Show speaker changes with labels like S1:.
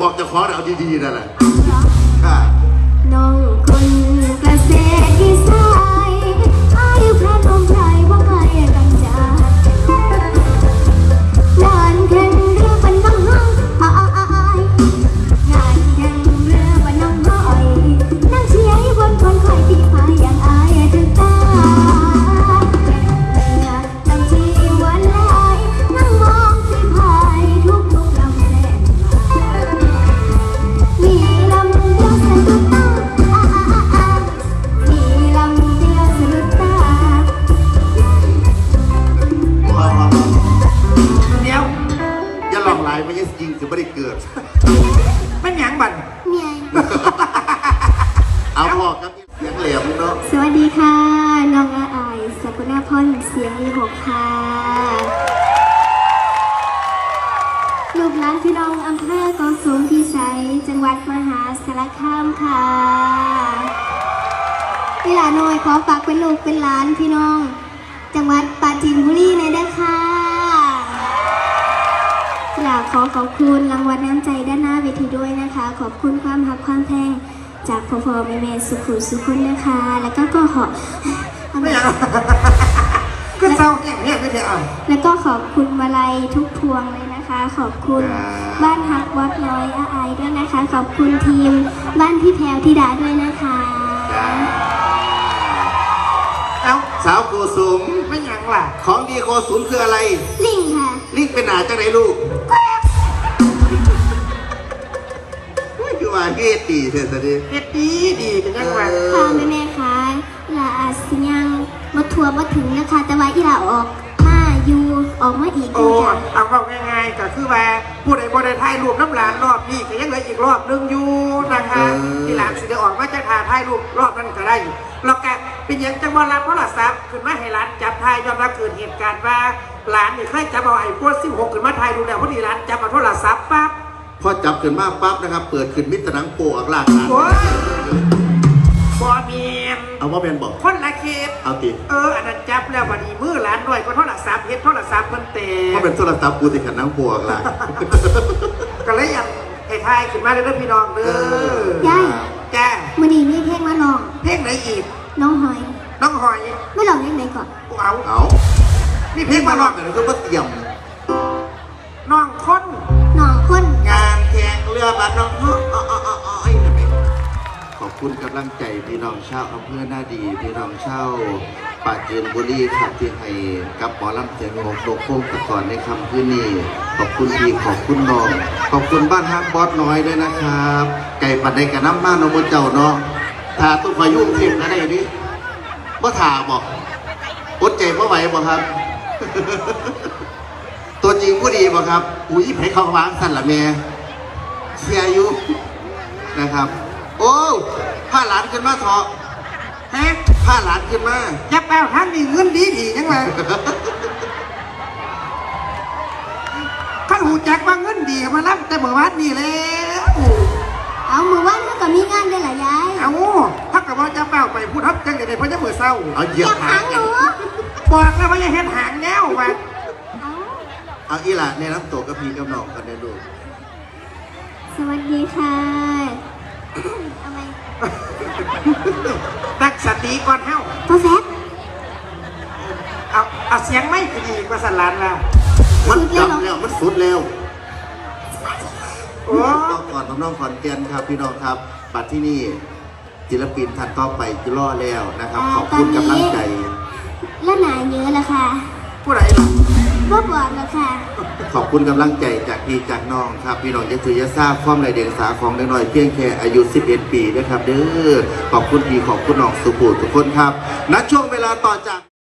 S1: บอกจะขอเอาดีๆนั่นแหละค่ะ
S2: น้องคนเกษตรที่สายอายุพระนมไพรว่าใครกันจะงานแข่งเรือบันน้องห้องงานแข่งเรือบันน้องห้อยนั่งเชียร์บนคนคอยที่พายอย่างอายถึงตานั่งชีวันลายนั่งมองที่พายทุกลำแล่นมีลำเดียวสะดุดตามีลำเดียวสะดุดตา
S1: เดี๋ยวอย่าหลอกหลายไม่ใช่จริงคือไม่ได้เกิด
S3: มันหยังบัน
S2: เมีย
S1: เอาบอกกับเสียงแหลมเนาะ
S2: สวัสดีค่ะน้องอาอายสกุณาพรเสียง26ค่ะลูกหลานพี่น้องอำเภอกองสูงพิสัยจังหวัดมหาสารคามค่ะพี่หลานน้อยขอฝากเป็นลูกเป็นหลานพี่น้องจังหวัดปราจีนบุรีในด้วยค่ะอยากขอบคุณรางวัลน้ำใจด้านหน้าเวทีด้วยนะคะขอบคุณความหักความแพงจากพ่อแม่สุขุสุขุนนะคะแล้วก็ขอ
S3: ไม่อยากก็เศร้าเนี่ยไม่ใช่อ่ะ
S2: แล้วก็ขอบคุณมาลัยทุกพวงเลยนะคะขอบคุณบ้านฮักวัดน้อยอาไอด้วยนะคะขอบคุณทีมบ้านพี่แพรวธิดาด้วยนะคะ
S1: เอาสาวโกสุม
S3: ไม่หยังล่ะ
S1: ของดีโกสุมคืออะไร
S2: ลิงค่ะ
S1: ลิงเป็นหนาจังไหนลูกคือว่าเฮ็ดดีเถอะตอนนี้
S3: เฮ็ดดีเป็นยังไง
S2: ค่ะแม่ค่ะลาอาสิยังมาทัวร์มาถึงนะคะแต่ว่าอีหลาออกมาอยู่ออกมาอีก
S3: โอ้เอาก็ง่ายๆก็คือว่าผู้ใดบ่ได้ถ่ายรูปน้ำหลานรอบนี้ก็ยังเหลืออีกรอบนึงอยู่นะคะที่หลานสิได้ออกมาจะถ่ายรูปรอบนั้นก็ได้แล้วแกเป็นยังจังว่ารับโทรศัพท์ขึ้นมาให้หลานจับถ่ายยอมรับเกิดเหตุการณ์ว่าหลานนี่เคยจับเอาไอ้พวก16ขึ้นมาถ่ายดูแล้วพอดีหลานจับเอาโทรศัพท์ปั๊บ
S1: พอจับขึ้นมาปั๊บนะครับเปิดขึ้นมิตรหนังโปอักลากนะ
S3: บอเมียน
S1: เอาว่าเป็นบอก
S3: คนละเคส
S1: เอาติ
S3: อันนั้นจับแล้ววันนี้มือหลานด้วยก็โทรศัพท์เฮ็ดโทรศัพท์มันเตะ
S1: เพราะเป็นโทรศัพท์กูติดขันน้ำโปอักลาก
S3: ก็เลยอยากให้ทายขึ้นมาเลยนะพี่น้องเด้
S2: อยาย
S3: จ้า
S2: มื่อนี้มีเพลงมาลอง
S3: เพลงไหนอีก
S2: น้องหอยไม่ลองเพลงไหนก่อน
S1: เอานี่เพลงมาลองกันแล้วก็มาเตรียม
S3: น้องคน
S1: งานแข่งเรือบัดน้องขอบคุณกำลังใจพี่น้องชาวอำเภอหน้าดีพี่น้องชาวปราจีนบุรีครับที่ให้กับหมอลำเสียงโลกโค้งตะก่อนในคำพื้นนี้ขอบคุณพี่ขอบคุณน้องขอบคุณบ้านฮักบอสน้อยด้วยนะครับไก่ปัดในกระน้ำบ้านนมเจ้าเนาะทาตุ้งพายุเทียมอะไรอย่างนี้ว่าถาบอกอดใจเพราะไหวบอกครับตัวจริงผู้ดีบอกครับอุ้ยให้เขาวางสั่นละแม่เชียร์อยู่นะครับโอ้ผ้าหลานขึ้นมาเถาะผ้าหลานขึ้นมา
S3: จะแปลว่าท่านมีเงินดียังไงข้าหูจักว่าเงินดีมารับแต่เมื่อวานนี่แล้ว
S2: เอาเมื่อวานเขาก็มีงานด้วยเหรอยาย
S3: เอาถ้ากับว่าจะแปลไปพูดทับจังเลยเพราะจะเมื่อเศร้า
S1: เอาเหยียบหาง
S2: หนู
S3: บอกแล้วว่าอย่าเห็นหางแง่วมา
S1: เอาอีหล่ะในน้ำตกกระพีกับหนองกันได้ดู
S2: สวัสดีค่ะทำไม
S3: ตั้งสติก่อนเฮ้า
S2: พ่อแฟบ
S3: เอาเสียงไม่ดีกว่าสันลานละ
S1: มันจับแล้วมันสุดแล้วก่อนน้องขอนแก่นครับพี่น้องครับบัดที่นี่ศิลปินท่านต่อไปจะล่อแล้วนะครับขอบคุณกำลังใจ
S2: และหนาเยอะแล้วค่ะ
S3: ผู้ใดล่ะ
S2: บ่บอกแล้วค่ะ
S1: ขอบคุณกำลังใจจากพี่จากน้องครับพี่น้องจะถือยาทราบความไรเดียงสาของเด็กน้อยเพียงแค่อายุ11 ปีนะครับเด้อขอบคุณพี่ขอบคุณน้องสุภูทุกคนครับณช่วงเวลาต่อจาก